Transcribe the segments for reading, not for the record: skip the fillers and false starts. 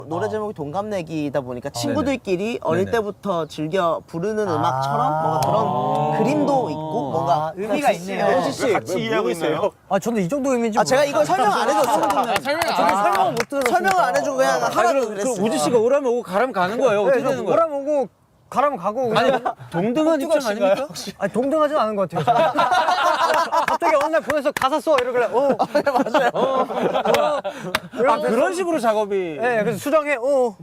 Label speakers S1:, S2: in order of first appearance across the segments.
S1: 노래 제목이 동갑내기이다 보니까 친구들끼리 어릴 때부터 즐겨 부르는 음악처럼 뭔가 그런 그림도 있고 뭔가
S2: 의미가 있네요.
S3: 호시 씨 같이 이해하고 있어요.
S2: 아 저는 이 정도 의미인지
S1: 제가 이걸 설명 안 해줬어요.
S2: 설명을 못 들었어요.
S1: 설명을 안 해주고 그냥 하라고 그랬어요.
S4: 우지 씨가 오라면 오고 가라면 가는 거예요. 어떻게 되는 거예요?
S2: 오라면 오고 가라면 가고.
S4: 아니 동등한 입장 아닙니까?
S2: 아니 동등하진 않은 것 같아요. 갑자기 어느 날 보내서 가사 써 이러길래
S1: 맞아요.
S4: 아 그런 식으로 작업이.
S2: 네, 그래서 수정해.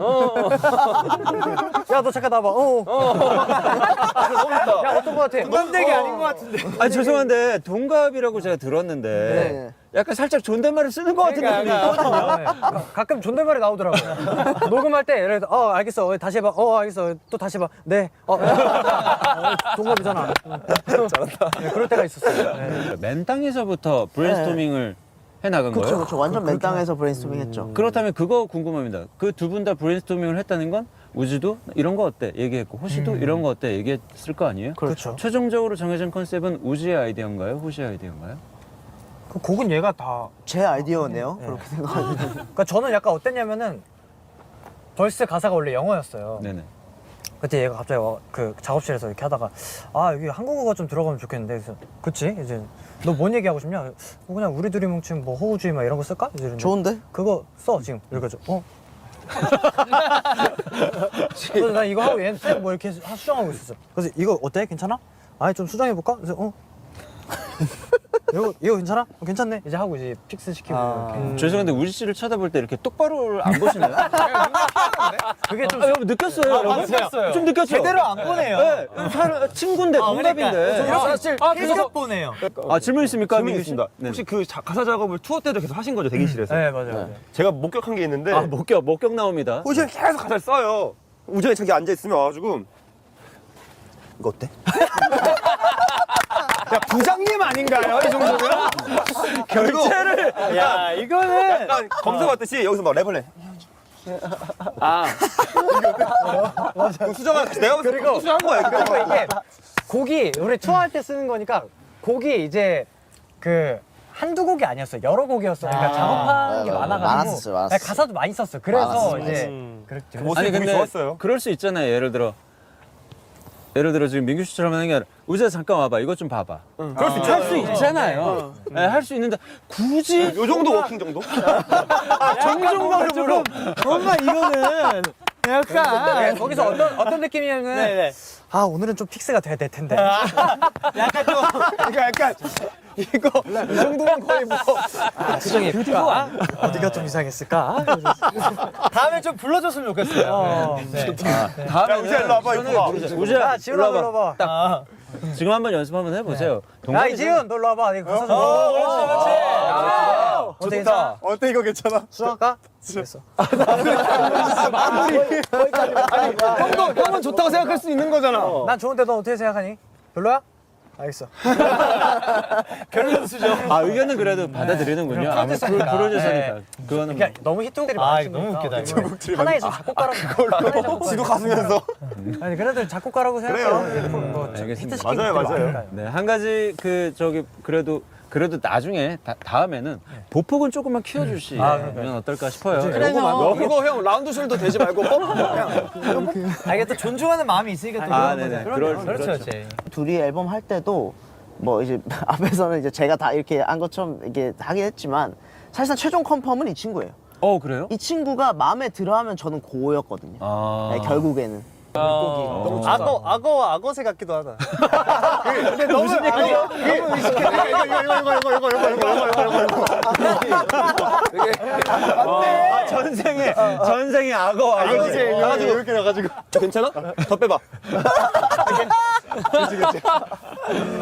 S2: 야, 너 잠깐 나봐. 야, 어떤 거 같아? 동갑내기 아닌 것 같은데.
S4: 아 죄송한데 동갑이라고 제가 들었는데
S1: 네.
S4: 약간 살짝 존댓말을 쓰는 것 같은 느낌이 있거든요.
S2: 네. 가끔 존댓말이 나오더라고요. 녹음할 때 예를 들어 알겠어. 다시 해봐. 알겠어. 또 다시 해봐. 네. 동갑이잖아. 잘한다. 네, 그럴 때가 있었어요. 네.
S4: 맨 땅에서부터 브레인스토밍을 해나간 거예요?
S1: 그렇죠. 완전 맨 땅에서 브레인스토밍 했죠.
S4: 그렇다면 그거 궁금합니다. 그 두 분 다 브레인스토밍을 했다는 건 우지도 이런 거 어때 얘기했고 호시도 이런 거 어때 얘기했을 거 아니에요?
S2: 그렇죠.
S4: 최종적으로 정해진 컨셉은 우지의 아이디어인가요? 호시의 아이디어인가요?
S2: 그 곡은 얘가 다.
S1: 제 아이디어네요. 그렇게 생각하면.
S2: 그러니까 저는 약간 어땠냐면은 벌스 가사가 원래 영어였어요.
S4: 네네.
S2: 그때 얘가 갑자기 그 작업실에서 이렇게 하다가 여기 한국어가 좀 들어가면 좋겠는데 그래서 그치 이제 너 뭔 얘기하고 싶냐? 그냥 우리 둘이 뭉친 뭐 호우주의 막 이런 거 쓸까? 이제 이러는데
S1: 좋은데?
S2: 그거 써 지금 이래가지고 그래서 난 이거 하고 얘는 뭐 이렇게 수정하고 있었어. 그래서 이거 어때? 괜찮아? 아니 좀 수정해볼까? 그래서 이거 괜찮아? 괜찮네. 이제 하고 이제 픽스 시키고 이렇게.
S4: 죄송한데 우지 씨를 쳐다볼 때 이렇게 똑바로 안 보시나요?
S2: 그게 좀
S4: 여러분 느꼈어요, 여러분?
S2: 느꼈어요.
S4: 좀 느꼈죠?
S2: 제대로 안 보네요.
S4: 네, 친구인데 동갑인데.
S2: 사실 계속 보네요.
S4: 아 질문 있습니까?
S3: 질문이 있습니다.
S4: 네.
S3: 혹시 그 가사 작업을 투어 때도 계속 하신 거죠, 대기실에서?
S2: 네 맞아요.
S3: 제가 목격한 게 있는데
S4: 아 목격 나옵니다.
S3: 호시가 계속 가사를 써요. 우정이 자기 앉아있으면 와가지고 이거 어때? 야 부장님 아닌가요? 이 정도면? 결제를
S2: 야 이거는
S3: 약간 검사 받듯이 여기서 막 랩을 해. 그 수정한 내가 봤을 때 수정한 거야.
S2: 그리고 이게 곡이 우리 투어할 때 쓰는 거니까 곡이 이제 그 한두 곡이 아니었어요. 여러 곡이었어요. 그러니까 작업한 게 많아가지고
S1: 많았었어요.
S2: 아니, 가사도 많이 썼어. 그래서
S1: 많았어요.
S2: 이제 그랬죠.
S3: 모습이
S4: 아니
S3: 보기
S4: 근데
S3: 좋았어요.
S4: 그럴 수 있잖아요. 예를 들어 지금 민규 씨처럼 하는 게 아니라 우지야 잠깐 와봐. 이것 좀 봐봐.
S3: 그럴 수
S4: 할 수 있잖아요. 네, 할 수 있는데 굳이
S3: 요 정도 워킹 정도?
S4: 정중앙으로
S2: 뭔가 이거는 약간 거기서 어떤 느낌이냐면 오늘은 좀 픽스가 돼야 될 텐데.
S3: 약간 좀 약간
S2: 이거 이 정도면 거의 뭐 수정이 그리고 어디가 좀 이상했을까? 다음에 좀 불러줬으면 좋겠어요.
S3: 야 우지야 일로 와봐 이거 봐.
S4: 우지야
S2: 지훈아
S4: 일로
S2: 불러봐.
S4: 딱 지금 한번 연습 한번 해보세요.
S2: 야
S4: 동갑이잖아.
S2: 이지훈 너 일로 와봐. 내가 가사 좀. 어때 괜찮아?
S3: 어때 이거 괜찮아?
S2: 수학과? 됐어. 형은 좋다고 생각할 수 있는 거잖아. 난 좋은데 넌 어떻게 생각하니? 별로야? 알겠어. 별로 수죠.
S4: 아 의견은 그래도 받아들이는군요. 아무튼 프로듀서니까. 그거는
S2: 그러니까 너무 히트곡들이 많으신
S5: 너무
S2: 거니까.
S5: 웃기다,
S2: 하나의 작곡가라고.
S3: 지도 가수면서
S2: 아니 그래도 작곡가라고 생각해요. 뭐
S4: 알겠습니다.
S2: 히트시킨
S3: 맞아요,
S2: 분들이
S3: 맞아요.
S2: 많으니까요.
S4: 네, 한 가지 그래도 나중에 다음에는 보폭은 조금만 키워주시면 어떨까 싶어요.
S3: 이거 형 라운드 숄더 되지 말고
S2: 이게 또 존중하는 마음이 있으니까 또
S4: 아,
S2: 그런
S4: 네네.
S2: 거죠.
S4: 그렇죠.
S1: 둘이 앨범 할 때도 뭐 이제 앞에서는 이제 제가 다 이렇게 한 것처럼 이렇게 하긴 했지만 사실상 최종 컨펌은 이 친구예요.
S4: 그래요?
S1: 이 친구가 마음에 들어하면 저는 고였거든요.
S4: 아.
S1: 네, 결국에는.
S5: 악어와 악어새 같기도 하다.
S2: 근데 너무 무슨 얘기야?
S4: 전생에 악어.
S3: 이렇게 나가지고 괜찮아? 더 빼봐.